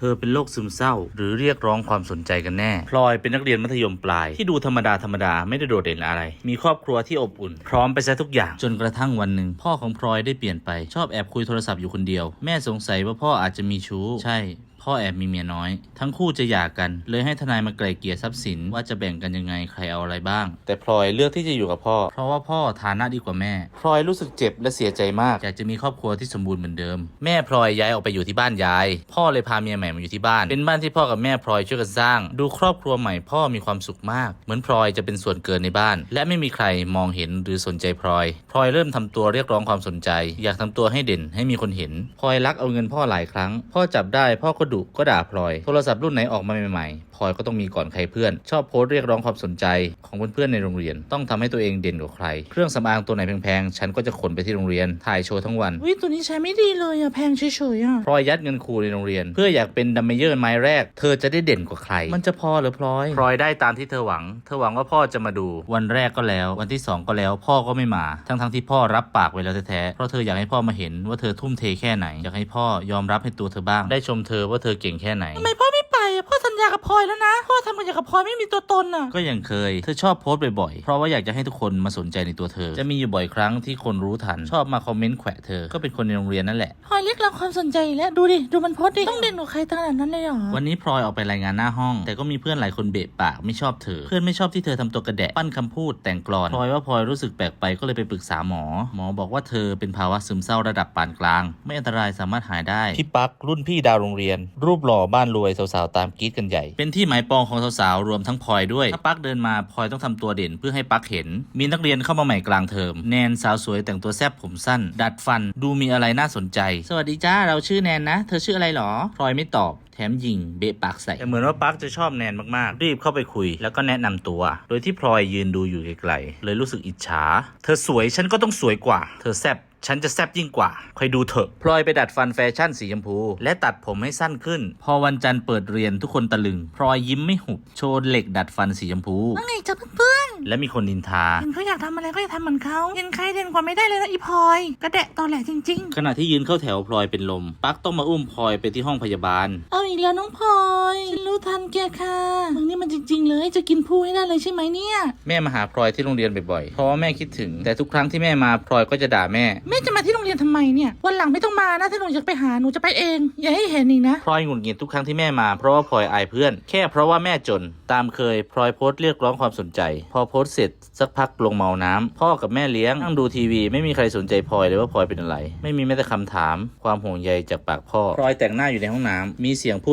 อเป็นโรคซึมเศร้าหรือเรียกร้องความสนใจกันแน่พลอยเป็นนักเรียนมัธยมปลายที่ดูธรรมดาไม่ได้โดดเด่นอะไรมีครอบครัวที่อบอุ่นพร้อมไปซะทุกอย่างจนกระทั่งวันหนึ่งพ่อของพลอยได้เปลี่ยนไปชอบแอบคุยโทรศัพท์อยู่คนเดียวแม่สงสัยว่าพ่ออาจจะมีชู้ใช่พ่อแอบมีเมียน้อยทั้งคู่จะหย่ากันเลยให้ทนายมาไกล่เกลี่ยทรัพย์สินว่าจะแบ่งกันยังไงใครเอาอะไรบ้างแต่พลอยเลือกที่จะอยู่กับพ่อเพราะว่าพ่อฐานะดีกว่าแม่พลอยรู้สึกเจ็บและเสียใจมากอยากจะมีครอบครัวที่สมบูรณ์เหมือนเดิมแม่พลอยย้ายออกไปอยู่ที่บ้านยายพ่อเลยพาเมียใหม่มาอยู่ที่บ้านเป็นบ้านที่พ่อกับแม่พลอยช่วยกันสร้างดูครอบครัวใหม่พ่อมีความสุขมากเหมือนพลอยจะเป็นส่วนเกินในบ้านและไม่มีใครมองเห็นหรือสนใจพลอยเริ่มทำตัวเรียกร้องความสนใจอยากทำตัวให้เด่นให้มีคนเห็นพลอยลักเอาเงินพ่อหลายครั้งพ่อจับได้พ่อก็ดุก็ด่าพลอยโทรศัพท์รุ่นไหนออกมาใหม่ๆพลอยก็ต้องมีก่อนใครเพื่อนชอบโพสต์เรียกร้องความสนใจของเพื่อนๆในโรงเรียนต้องทำให้ตัวเองเด่นกว่าใครเครื่องสำอางตัวไหนแพงๆฉันก็จะขนไปที่โรงเรียนถ่ายโชว์ทั้งวันตัวนี้ใช้ไม่ดีเลยอะแพงเฉยๆอะพลอยยัดเงินครูในโรงเรียนเพื่ออยากเป็นดัมเมเยอร์ไม้แรกเธอจะได้เด่นกว่าใครมันจะพอหรือพลอยได้ตามที่เธอหวังว่าพ่อจะมาดูวันแรกก็แล้ววันที่2ก็แล้วพ่อก็ไม่มาทั้งที่พ่อรับปากไว้แล้วแท้ๆเพราะเธออยากให้พ่อมาเห็นว่าเธอทุ่มเทแค่ไหนอยากให้พ่อยอมรับให้ตัวเธอบ้างได้ชมเธอว่าเธอเก่งแค่ไหนทำไมพ่อไม่ไปอะพ่อสัญญากับพลอยแล้วนะพ่อทำกันอย่างกับพลอยไม่มีตัวตนอะก็ยังเคยเธอชอบโพสต์บ่อยๆเพราะว่าอยากจะให้ทุกคนมาสนใจในตัวเธอจะมีอยู่บ่อยครั้งที่คนรู้ทันชอบมาคอมเมนต์แขวะเธอก็เป็นคนในโรงเรียนนั่นแหละพลอยเรียกร้องความสนใจแล้วดูดิดูมันโพสต์ดิต้องเด่นกว่าใครขนาดนั้นเลยเหรอวันนี้พลอยออกไปรายงานหน้าห้องแต่ก็มีเพื่อนหลายคนเบะปากไม่ชอบเธอเพื่อนไม่ชอบที่เธอทำตัวกระแดะปั้นคำพูดแต่งกลอนพลอยว่าพลอยรู้สึกแปลกไปก็เลยไปปรึกษาหมอบอกว่าเธอเป็นภาวะซึมเศร้าระดับปานกลางไม่อันตรายสามารถหายได้พี่ปักรุ่นพี่ดาวโรงเรียนรูปหล่อบ้านรวยสาวๆตามกรี๊ดกันใหญ่เป็นที่หมายปองของสาวๆรวมทั้งพลอยด้วยถ้าปักเดินมาพลอยต้องทำตัวเด่นเพื่อให้ปักเห็นมีนักเรียนเข้ามาใหม่กลางเทอมแนนสาวสวยแต่งตัวแซ่บผมสั้นดัดฟันดูมีอะไรน่าสนใจสวัสดีจ้าเราชื่อแนนนะเธอชื่ออะไรหรอพลอยไม่ตอบแถมยิงเบะปากใส่แต่เหมือนว่าปักจะชอบแนนมากๆรีบเข้าไปคุยแล้วก็แนะนำตัวโดยที่พลอยยืนดูอยู่ไกลๆเลยรู้สึกอิจฉาเธอสวยฉันก็ต้องสวยกว่าเธอแซ่บฉันจะแซ่บยิ่งกว่าคอยดูเถอะพลอยไปดัดฟันแฟชั่นสีชมพูและตัดผมให้สั้นขึ้นพอวันจันทร์เปิดเรียนทุกคนตะลึงพลอยยิ้มไม่หุบโชว์เหล็กดัดฟันสีชมพูว่าไงจ๊ะเพื่อนและมีคนนินทาเห็นเขาอยากทำอะไรก็อยากทำเหมือนเขาเห็นใครเด่นกว่าไม่ได้เลยนะอีพลอยกระแดะตอแหลจริงๆขณะที่ยืนเข้าแถวพลอยเป็นลมปักต้องมาอุ้มพลอยไปที่ห้องพยาบาลเอาอีกแล้วน้องพลอยฉันรู้ทันแกค่ะมึงนี่มันจริงๆเลยจะกินผู้ให้ได้เลยใช่ไหมเนี่ยแม่มาหาพลอยที่โรงเรียนบ่อยๆเพราะว่าแม่คิดถึงแต่ทุกครั้งที่แม่มาพลอยก็จะด่าแม่จะมาที่โรงเรียนทำไมเนี่ยวันหลังไม่ต้องมานะถ้าหนูอยากไปหาหนูจะไปเองอย่าให้เห็นอีกนะพลอยหงุดหงิดทุกครั้งที่แม่มาเพราะว่าพลอยอายเพื่อนแค่เพราะว่าแม่จนตามเคยพลอยโพสต์เรียกร้องความสนใจพอโพสต์เสร็จสักพักลงเมาน้ำพ่อกับแม่เลี้ยงนั่งดูทีวีไม่มีใครสนใจพลอยเลยว่าพลอยเป็นอะไรไม่มีแม้แต่คำถามความห่วงใยจากปากพ่อพลอยแต่งหน้าอยู่ในห้องน้ำมีเสียง